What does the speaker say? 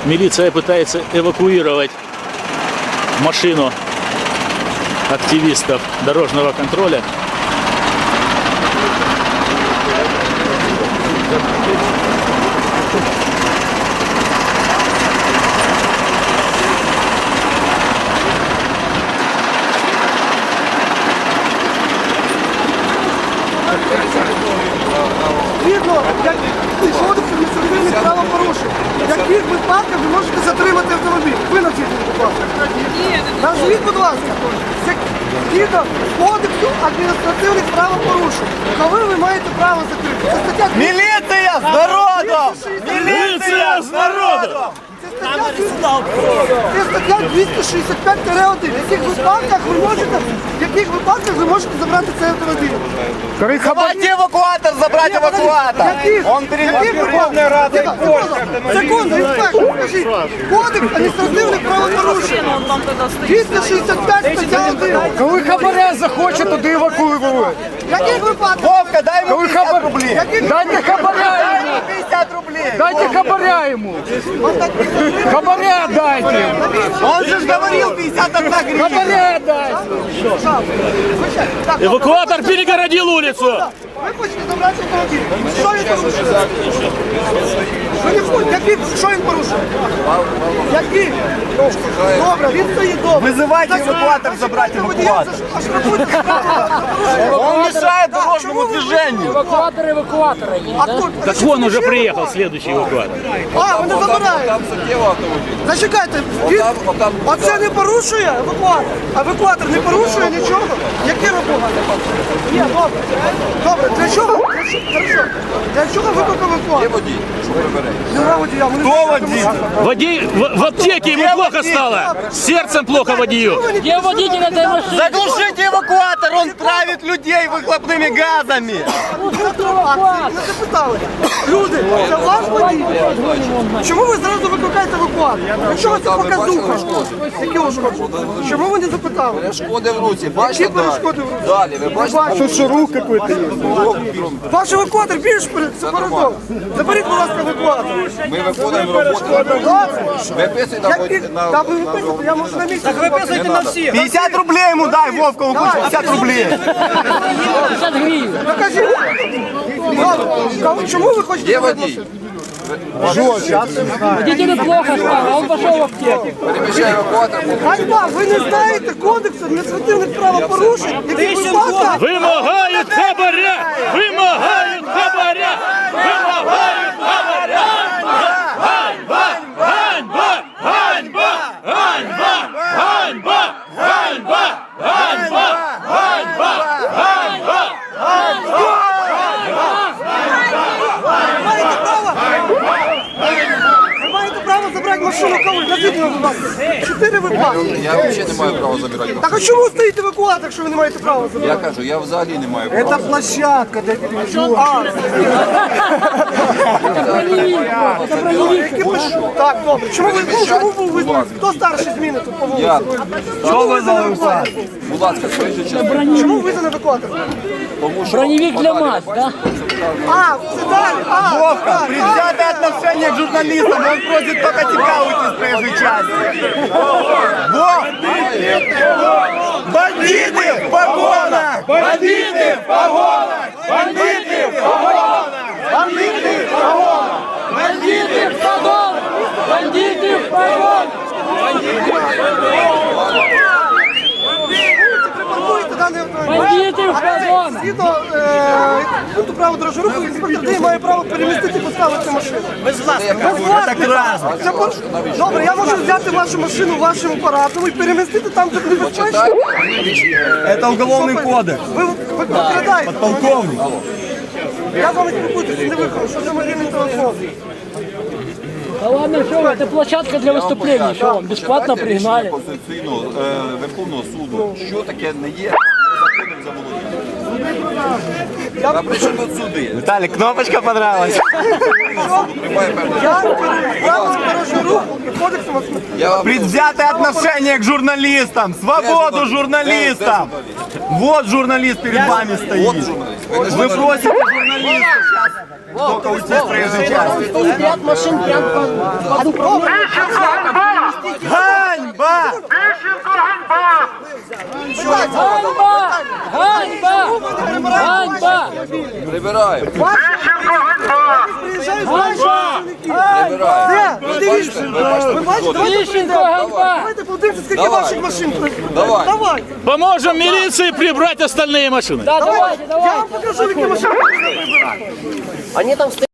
Милиция пытается эвакуировать машину активистов дорожного контроля. Відно, як кодекс адміністративних правопорушень. В яких випадках ви можете затримати автомобіль? Ви назвіть, будь ласка. Назвіть, будь ласка. Згідно кодексу адміністративних правопорушень. Коли ви маєте право затримати? Це стаття... Міліція з народом! Милиция с народом! Це стаття 265-1. В яких випадках ви можете забрати цей автомобіль? Давайте евакуатор, забрать евакуатор! Он перед Верховной Радой. Секунду, інспектор, скажіть. Кодекс адміністративних правопорушень. 265 стаття 1. Коли хабаря захоче, туди евакуюють. В яких випадках? Вовка, дай ему 50 рублей! Дайте хабаря Дай йому! ему 50 рублей! Дайте хабаря йому! Хабаря дайте! Он же ж говорил 51 гривна! Хабаря дайте! Так, Эвакуатор перегородил улицу! ви хочете забрати автомобіль. Що він порушує? Ви не хочете. Що він порушує? Який? Добре, він стоїть добре. Вызывайте эвакуатор, забрать эвакуатор! Аж рахуйте, Он мешает дорожному движению! Евакуатор евакуатора є, а тут... Так вон уже приехал следующий эвакуатор. А, вони забирають. Зачекайте, оце не порушує евакуатор. А евакуатор не порушує нічого. Який робота? Є, добре. Добре, для чого? Хорошо. Для чого викликав евакуатор? Є водій, що прибере. Нема водія. Кто водитель? Водей в аптеке ему плохо стало. С сердцем плохо водию. Є водитель этой машини. Заглушите эвакуатор, он травит людей выхлопными газами! Не запитали. Люди, це ваш водій? Чому ви зразу викликаєте евакуатор? Якщо ви це показуха, які ушкодження? Чому ви не запитали? Перешкоди в руці, бачите? Які перешкоди в руці? Далі, ви бачите? Тут що рух якийсь є? Ваш евакуатор більш передов. Заберіть, будь ласка, евакуатор. Ми виконуємо роботу. Виписуйте Та ви виписуєте, я можу на місці. Так виписуйте на всіх. 50 рублей ему дай, Вовка, он хочет 50 рублей! 50 гривень. Покажіть. Чому ви хочете? Є водій. Водителю плохо стало, а он пошел в аптеку. Переміщає евакуатор. Ганьба, ви не знаєте кодексу адміністративних правопорушень, які випадках? Вымогают хабаря! Вымогают хабаря! Вымогают хабаря! Ганьба! Ганьба! Ганьба! Ганьба! Ганьба! Ганьба! Ганьба! Ганьба! Ганьба! Ви маєте право забрати машину коли? Назвіть мені, будь ласка. 4 випадки. Я взагалі не маю права забирати. Так а чому стоїть евакуатор, якщо ви не маєте права Я забрати? кажу, я взагалі не маю права. Площадка для перевезення. Так, добре. Чому ви визнали? Хто старший зміни тут по вулиці? Я. Чому ви визнали евакуатор? Будь ласка, скажіть чесно. Чому визнали евакуатор? Тому що Броневик для МАЗ, да? А, це далі. А, Вовка, так, предвзятое отношение к журналистам, он просит только тебя уйти с проезжей части. Вов! Бандиты в погонах! Бандиты в погонах! Бандиты в погонах! Бандиты в погонах! Бандиты в погон! Бандиты в погон! припаркуйте даний автомобіль. Бандиты в погон! Згідно пункту правил дорожнього руху, інспектор ДАІ має право перемістити і поставити машину. Без власника. Це добре, я можу взяти вашу машину вашим апаратом і перемістити там, де небезпечно. Это уголовный кодекс. Ви викрадаєте. Полковник. Я з вами спілкуюся, не виходжу. Що за мобільний телефон? Да ладно, что вы, это площадка для выступлений, что вам, бесплатно пригнали. Конституційного Верховного суду, що таке не є незаконним заволодінням. А при чому тут суди? Виталик, кнопочка понравилась. Приймає певне. Я правила дорожнього руху і кодексом освіти. Я вам Предвзятое отношение к журналистам. Свободу журналистам. Вот журналист перед вами От стоит. журналіст. Ви не Вы просите журналиста сейчас только уйти с проезжей части. Стоит ряд машин прямо под управлением. Ганьба! Ганьба! Ганьба! Ганьба! Прибираємо. Приїжджають Ганьба! Прибираємо. Де? Подивіться. Ви бачите? Тищенко, ганьба! Давайте подивіться, скільки Давай. ваших машин. Давай. Давай. Поможем милиции прибрать остальные машины. Да, давайте, Я вам давайте. покажу, які машини. Они там стоят.